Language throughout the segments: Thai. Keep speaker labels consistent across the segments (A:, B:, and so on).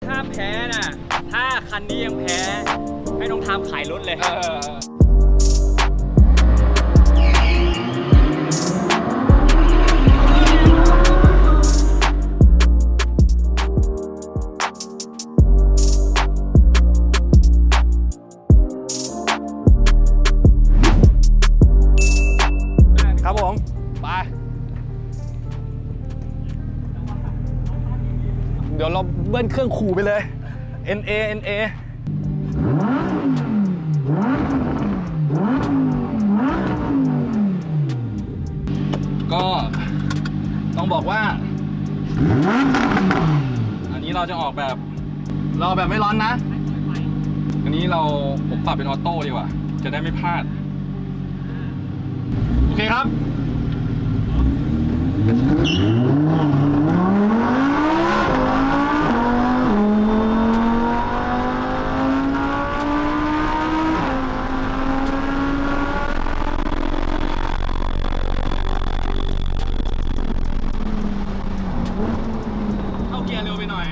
A: ห้ามแพ้นะถ้าคันนี้ยังแพ้ให้น้องทามขายรถเลย
B: ครับผมไปเดี๋ยวเราเบิ้ลเครื่องขู่ไปเลย NA ก็ต้องบอกว่าอันนี้เราจะออกแบบไม่ร้อนนะอันนี้ผมปรับเป็นออโต้ดีกว่าจะได้ไม่พลาดโอเคครับเข้าเกียร์เร็วไปหน่อย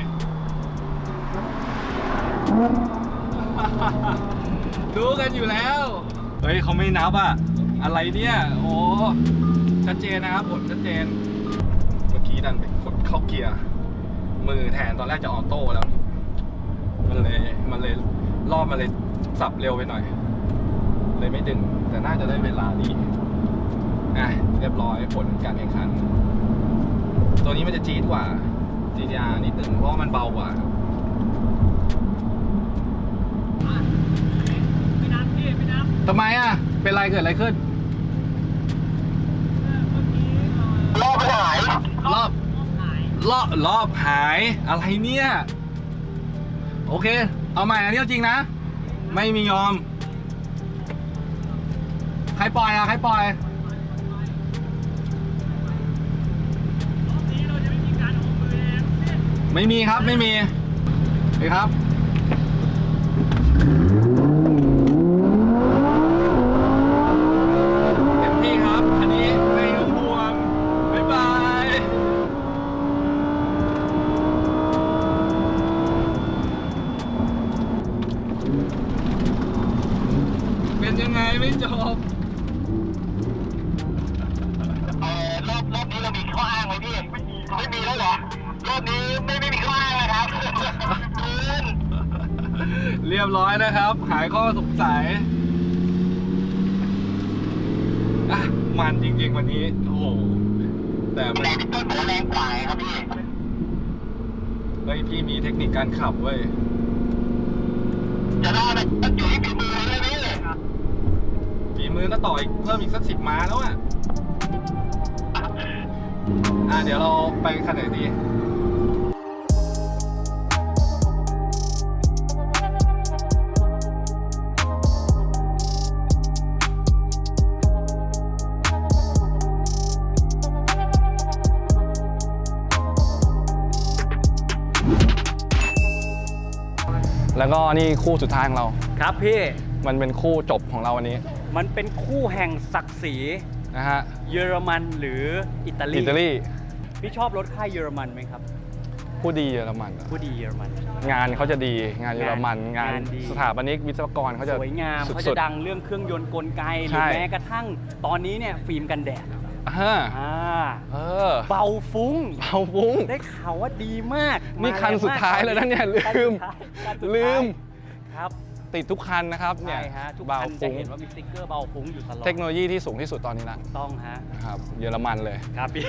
B: รู้กันอยู่แล้วเฮ้ยเขาไม่นับอ่ะอะไรเนี่ยโอ้ชัดเจนนะครับผลชัดเจนเมื่อกี้ดันไปกดเข้าเกียร์มือแทนตอนแรกจะออโต้แล้วมันเลยรอบมันเลยสับเร็วไปหน่อยเลยไม่ดึงแต่น่าจะได้เวลาดีเรียบร้อยผลการแข่งขันตัวนี้มันจะจี๊ดกว่า GTR นิดนึงเพราะมันเบากว่า
A: ไม่นับพี่ไม่นับ
B: ทำไมอ่ะเป็นไรเกิดอะไรขึ้นรอบหายรอบหายอะไรเนี่ยโอเคเอาใหม่อันนี้จริงนะไม่มียอมใครปล่อยใครปล่อยไม่มีครับไม่มีนี่ครับเต็มที่ครับอันนี้ไม่ต้องห่วงบ๊ายบายเป็นยังไงไม่จบ
C: รอบนี้เรามีข้ออ้างไหมพี่ไม่มีแล้วเหรอรอบนี้ไม่มีข้ออ้างเลยครับ
B: เรียบร้อยนะครับหายข้อสงสัยมันจริงๆวันนี้โอ้โหแต่มัน
C: แรงต้นหัวแรงกว่าครับพี่
B: พี่มีเทคนิคการขับเว้ย
C: จะได้มันอยู่ที่ฝีมือเลยพี่
B: ฝีมือก็ต่ออีกเพิ่มอีกสัก10 ม้าแล้วเดี๋ยวเราไปคันไหนดีแล้วก็นี่คู่สุดท้ายของเรา
A: ครับพี่
B: มันเป็นคู่จบของเราวันนี้
A: มันเป็นคู่แห่งศักดิ์ศรี
B: นะฮะ
A: เยอรมันหรืออิตาลีพี่ชอบรถค่ายเยอรมันไหมครับ
B: ผู้ดีเยอรมัน
A: ผู้ดีเยอรมัน
B: งานเขาจะดีงานเยอรมันงานสถาปนิกวิศวกรเขาจะ
A: สวยงามเขาจะดังเรื่องเครื่องยนต์กลไกหรือแม้กระทั่งตอนนี้เนี่ยฟิล์มกันแดดเบาฟุ้งได้ข่าวว่าดีมาก
B: นี่คันสุดท้ายแล้วนะเนี่ยลืม
A: ครับ
B: ติดทุกคันนะครับเนี่ย
A: ทุกคันจะเห็นว่ามีสติ๊กเกอร์เบาฟุ้งอยู่ตลอด
B: เทคโนโลยีที่สูงที่สุดตอนนี้ละ
A: ต้อง
B: ครับเยอรมันเลย
A: ครับพี่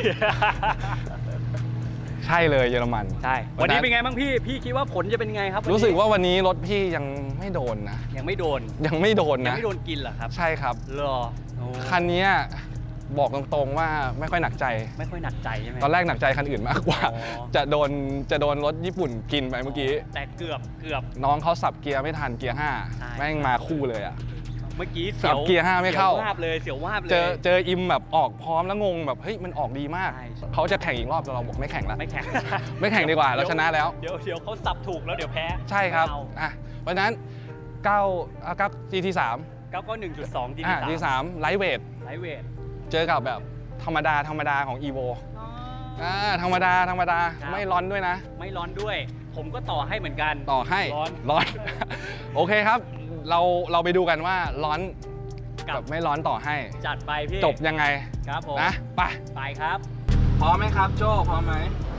B: ใช่เลยเยอรมัน
A: ใช่วันนี้เป็นไงบ้างพี่คิดว่าผลจะเป็นไงครับ
B: รู้สึกว่าวันนี้รถพี่ยังไม่โดนนะ
A: ยังไม่โดน
B: นะยังไม่โดน
A: กินเหรอครับ
B: ใช่ครับคันนี้บอกตรงๆว่าไม่ค่อยหนักใจ
A: ใช่ไหม
B: ตอนแรกหนักใจคันอื่นมากกว่าจะโดนรถญี่ปุ่นกินไปเมื่อกี้
A: แต่เกือบ
B: น้องเขาสับเกียร์ไม่ทันเกียร์5แม่งมาคู่เลย
A: เมื่อกี้
B: สับเกียร์5ไม่เข้า
A: เสียววาบเลย
B: เจออิมแบบออกพร้อมแล้วงงแบบเฮ้ยมันออกดีมากเขาจะแข่งอีกรอบแต่เราบอกไม่แข่งแล้วไม่แข่งดีกว่าเราชนะแล้ว
A: เดี๋ยวเขาสับถูกแล้วเดี๋ยวแพ้
B: ใช่ครับเพราะฉะนั้น9 GT3
A: 991.2
B: GT3 ไลท์เวทเจอกับแบบธรรมดาของ Evo ธรรมดาไม่ร้อนด้วยนะ
A: ไม่ร้อนด้วยผมก็ต่อให้เหมือนกัน
B: ต่อให้
A: ร้อน
B: โอเคครับ เราไปดูกันว่าร้อน
A: กั
B: กับ บไม่ร้อนต่อให้
A: จัดไปพี่
B: จบยังไง
A: ครับผม
B: นะไป
A: ไปครับ
B: พร้อมไหมครับโจ้พร้อมไหม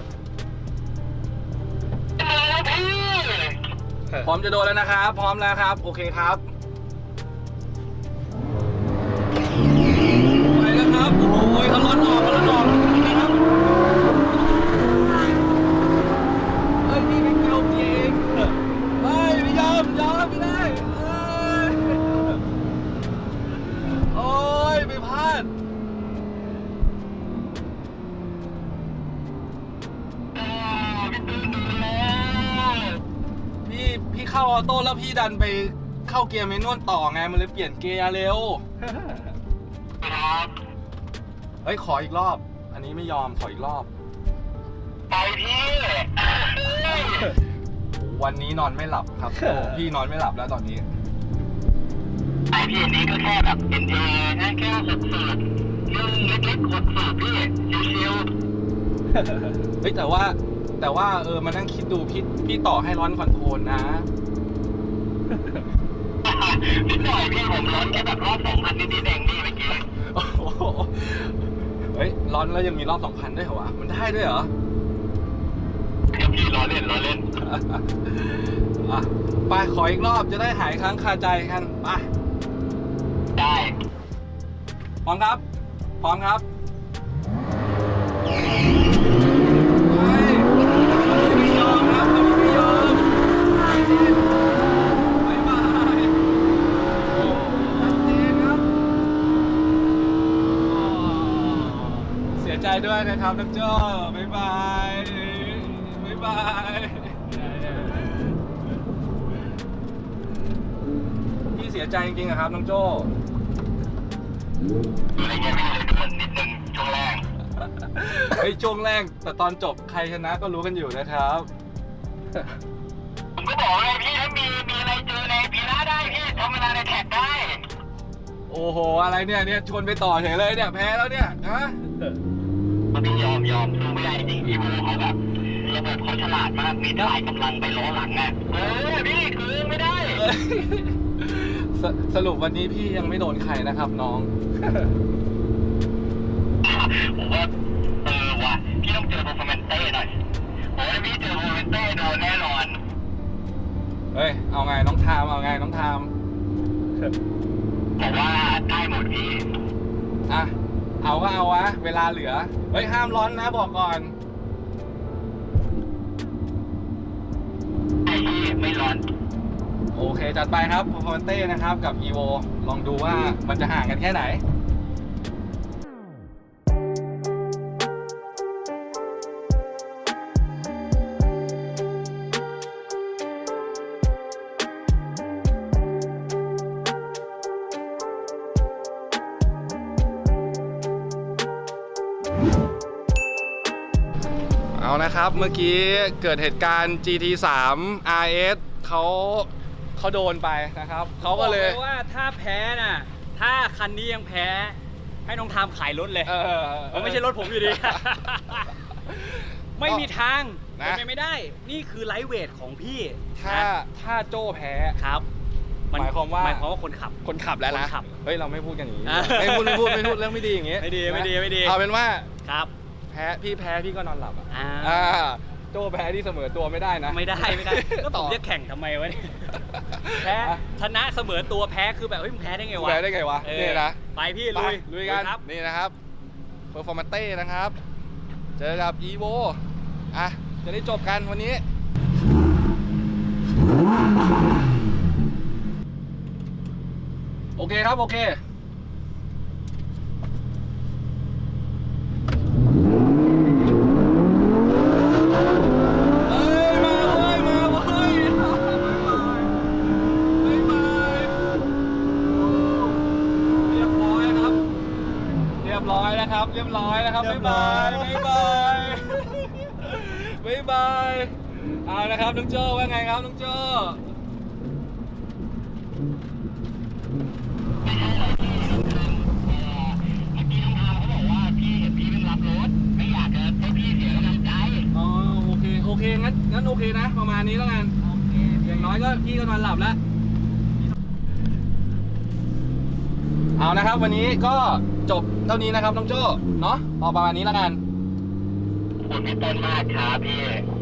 C: พี่
B: พร้อมจะโดนแล้วนะครับ พร้อมแล้วครับ โอเคครับไปแล้วครับโอ้โหเขาร้อนออกนะครับเฮ้ยพี่ไม่เกี่ยวจริงไม่ยอมไม่ได้โอ้ยไปพลาดพี่เข้าออโต้แล้วพี่ดันไปเข้าเกียร์เมนวลต่อไงมันเลยเปลี่ยนเกียร์เร็ว
C: ครับ
B: เฮ้ยขออีกรอบ อันนี้ไม่ยอมขออีกรอบ
C: ไปพี่
B: วันนี้นอนไม่หลับครับโอ้พี่นอนไม่หลับแล้วตอนนี้
C: ไอพี่อันนี้ก็แค่แบบเป็นเอนะแค่หกสูตรเรื่องเล็กๆหกสูตรพี่ชิว
B: เฮ้ยแต่ว่ามานั่งคิดดูพี่ต่อให้ร้อนคอนโทรลนะ
C: ๆนิดหน่อยพี่ผมร้อนแค่แบบรอบ2,000นิดๆเองพี่เมื่อกี้
B: โอ้โหเฮ้ยร้อนแล้วยังมีรอบ 2,000 ด้วยเหรอวะมันได้ด้วยเหรอ
C: พี่ล้อเล่น
B: อ่ะไปขออีกรอบจะได้หายค้างคาใจกันไป
C: ได้
B: พร้อมครับพร้อมครับไปไม่ยอมครับไม่ยอมบ๊ายบายชัดเจนครับเสียใจด้วยนะครับน้องโจ้บ๊ายบายบ๊ายบายพี่เสียใจจริงๆอะครับน้องโจ้
C: อะไรเงี้ยพี่เลยเกินนิดนึงช่วงแรก
B: เฮ้ยช่วงแรกแต่ตอนจบใครชนะก็รู้กันอยู่นะครับ
C: ผมก็บอกเลยพี่ถ้ามีอะไรเจอในพีหน้าได้พี่ทำเวลาในแท็กได้
B: โอ้โหอะไรเนี่ยชวนไปต่อเฉยเลยเนี่ยแพ้แล้วเนี่ยฮะ
C: มันต้องยอมสู้ไม่ได้จริงอีโวเขาแบบระบบเขาฉลาดมากมีถ่ายกำลังไปล้อหลังอ่ะพี่คือไม่ได้
B: สรุปวันนี้พี่ยังไม่โดนใครนะครับน้อง
C: ผมว่าว่ะพี่ต้องเจอโปรแฟมเต้หน่อยผมว่าพี่เจอโปรแฟมเต้โดนแน่นอน
B: เฮ้ยเอาไงน้องทามเอาไงน้องทาม
C: ผมว่าได้หมดพี่
B: อ่ะเอาก็เอาวะเวลาเหลือเฮ้ยห้ามร้อนนะบอกก่อน
C: ไอ้พี่ไม่ร้อน
B: โอเคจัดไปครับพอร์เต้นะครับกับ EVO ลองดูว่ามันจะห่างกันแค่ไหนเอานะครับเมื่อกี้เกิดเหตุการณ์ GT3 RS เขาโดนไปนะครับเขาก็เลย
A: บอกว่าถ้าแพ้น่ะถ้าคันนี้ยังแพ้ให้น้องทามขายรถเลยมันไม่ใช่รถผมอยู่ดี ไม่มีทาง
B: นะ
A: เป็นไปไม่ได้ นี่คือไลท์เวทของพี่
B: ถ้าโจ้แพ้
A: ครับ
B: หมายความว่า
A: คนขับ
B: คนขับแล้วนะ
A: คนขับ
B: เฮ้ยเราไม่พูดกันอย่างนี้
A: อ่ะ
B: ไม่พูดเรื่องไม่ดีอย่างงี้
A: ไม่ดี
B: เอาเป็นว่า
A: ครับ
B: แพ้พี่ก็นอนหลับอ่ะ
A: อ่า
B: โจ้แพ้ที่เสมอตัวไม่ได้นะ
A: ไม่ได้แล้วผมจะแข่งทำไมวะเนี่ยแพ้ชนะเสมอตัวแพ้คือแบบเฮ้ยมึงแพ้ได้ไงวะ
B: แพ้ได้ไงวะ
A: เออ
B: นี่นะ
A: ไปพี่
B: ไป
A: ลุย
B: กัน
A: ครับ
B: นี่นะครับเพอร์ฟอร์มานเต้นะครับเจอกับ EVO อ่ะจะได้จบกันวันนี้โอเคครับโอเคเรียบร้อยนะครับบ๊ายบายเอานะครับน้องโจ้ว่าไงครับน้องโจ้
C: พี่ต้องทำเขาบอกว่าพี่เห็นพี่เป็นรับรถไม่อยากจะให้พี่เสียกำลังใจ
B: อ๋อโอเคงั้นโอเคนะ ประมาณนี้แล้วกันอย่างน้อยก็พี่ก็นอนหลับแล้วเอานะครับวันนี้ก็จบเท่านี้นะครับน้องโจ้เนาะเอาประมาณนี้แล้วกัน
C: ขอบคุณพี่ต้นมากครับพี่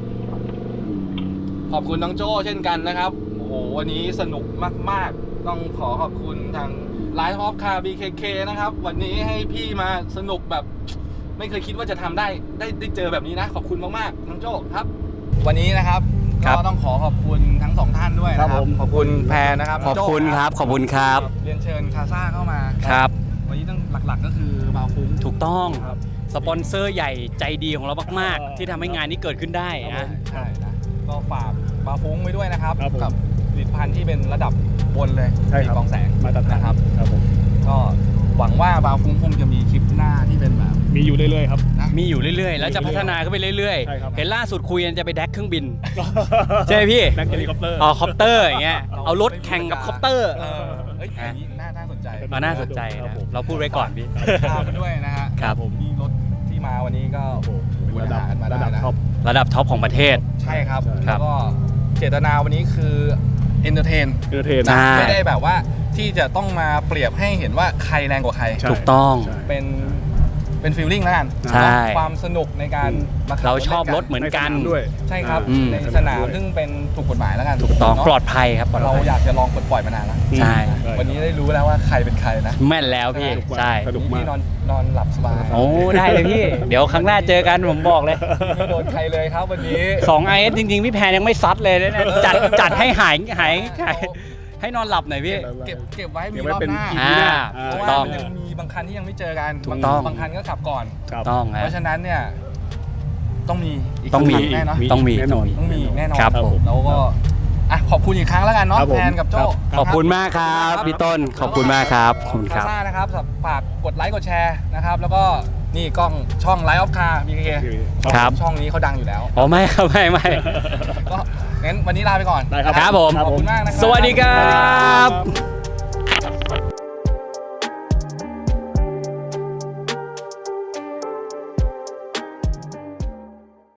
B: ขอบคุณน้องโจ้เช่นกันนะครับโอ้โหวันนี้สนุกมากๆต้องขอขอบคุณทาง Live of Car BKK นะครับวันนี้ให้พี่มาสนุกแบบไม่เคยคิดว่าจะทำได้เจอแบบนี้นะขอบคุณมากๆน้องโจ้ครับวันนี้นะครับก็ต้องขอขอบคุณทั้งสองท่านด้วยนะครับขอบคุณแพรนะครับ
A: ขอบคุณครับขอบคุณครับ
B: เรียนเชิญคาซ่าเข้ามา
A: ครับ
B: วันนี้ต้องหลักๆก็คือบาวฟุ้ง
A: ถูกต้องสปอนเซอร์ใหญ่ใจดีของเรามากๆที่ทำให้งานนี้เกิดขึ้นได้นะ
B: ใช่นะก็ฝากบาวฟุ้งไว้ด้วยนะครับ
D: ครับผม
B: กับผลิตภัณฑ์ที่เป็นระดับบนเลย
D: ใช่ครับ
B: กองแสง
D: มาตรฐาน
B: นะครับ
D: ครับผม
B: ก็หวังว่าบาวฟุ้งคงจะมีคลิปหน้าที่เป็นแบบ
D: มีอยู่เรื่อยๆครับ
A: มีอยู่เรื่อยๆ แล้วจะพัฒนาขึ้นไปเรื่อย
D: ใช่ครับ
A: ๆ เห็นล่าสุดคุยกันจะไปแดกเครื่องบิน ใช่ไหมพี่
D: นักเฮลิคอปเตอร์
A: อ๋อคอปเตอร์อย่างเงี้ยเอารถแข่งกับคอปเตอร์
B: เฮ้ยอย่างนี้น่าสนใจ
A: น่าสนใจ
D: ครับ
A: นะ
D: ผม
A: เราพูดไว้ก่อนพี่
B: ตามไปด้วยนะฮะ
A: ครับ
B: ผมมีรถที่มาวันนี้ก็โอ้โห
D: เป็นระดับ
B: หากันมาได้นะ
D: ท็อป
A: ระดับท็อปของประเทศ
B: ใช่ครับ
A: ครั
B: แล้
A: บ
B: วก็เจตนาวันนี้คือเอนเตอร์เทน
D: เออเทน
A: ใช่
B: ไม่ได้แบบว่าที่จะต้องมาเปรียบให้เห็นว่าใครแรงกว่าใคร
D: ใช่
A: ถูกต้อง
D: ใช่
B: เป็นฟีลลิ่งแล้วกัน
A: ใช่
B: ความสนุกในการมาขับ
A: เราชอบ
B: ล่น
A: รถเหมือนกัน
D: ในสามด้วย
B: ใช่ครับ
A: อืม
B: ในสนามซึ่งเป็นถูกกฎหมายแล้วกัน
A: ถูกต้อง
B: เนะ
A: ปลอดภัยครับปลอด
B: เรา
A: ภัย
B: อยากจะลองปล่อยมานานแล้ว
A: ใช่
B: วันนี้ได้รู้แล้วว่าใครเป็นใครนะ
A: แม่นแล้วพี่
D: สนุกมาก
A: ใช่
D: สนุกมาก
B: พี่นอนหลับสบาย
A: โอ้ได้เลยพี่ เดี๋ยวครั้งหน้าเจอกันผมบอกเลย
B: ไม่โดนใครเลยครับวันนี้
A: 2 IS จริงๆ พี่แพนยังไม่ซัดเลยนะเนี่ยจัดให้หายให้นอนหลับหน่อยพี่
B: เก็บไว้มี
D: เดี๋ยวไว้
B: รอบ
D: เป็น
B: หน้า
D: อี
A: อ่า
D: พีหน้า
B: เพราะ
A: ถูก
B: ว่า
A: ต้อง
B: มันยังมีบางคันที่ยังไม่เจอกัน
A: ถูกต้อง
B: บางคันก็ขับก่อน
D: ครับ
A: ต้อง
B: เพ
A: ฮะ
B: ราะฉะนั้นเนี่ยต้องมีอีก
A: ต้องมี
B: สักครั้แน่เนอะ
A: ต้องมี
D: แน่นอน
B: ต้องมีแน่นอน
A: ครับผม
B: แล้วก็อ่ะขอบคุณอีกครั้งแล้วกันเนาะ
D: ครับผม
B: แพนกับโจ้
A: ขอบคุณมากครับพี่ต้นขอบคุณมากครับขอบคุณครับ
B: ซ่านะครับฝากกดไลค์กดแชร์นะครับแล้วก็นี่กล้องช่อง Live of Car BKK
A: ครับ
B: ช่องนี้เขาดังอยู่แล้ว
A: อ๋อไม่ครับไม่
B: ก็งั้นวันนี้ลาไปก่อน
D: ได้ครับ
A: ครับผม
B: ขอบคุณมากนะครับ
A: สวัสดีครับ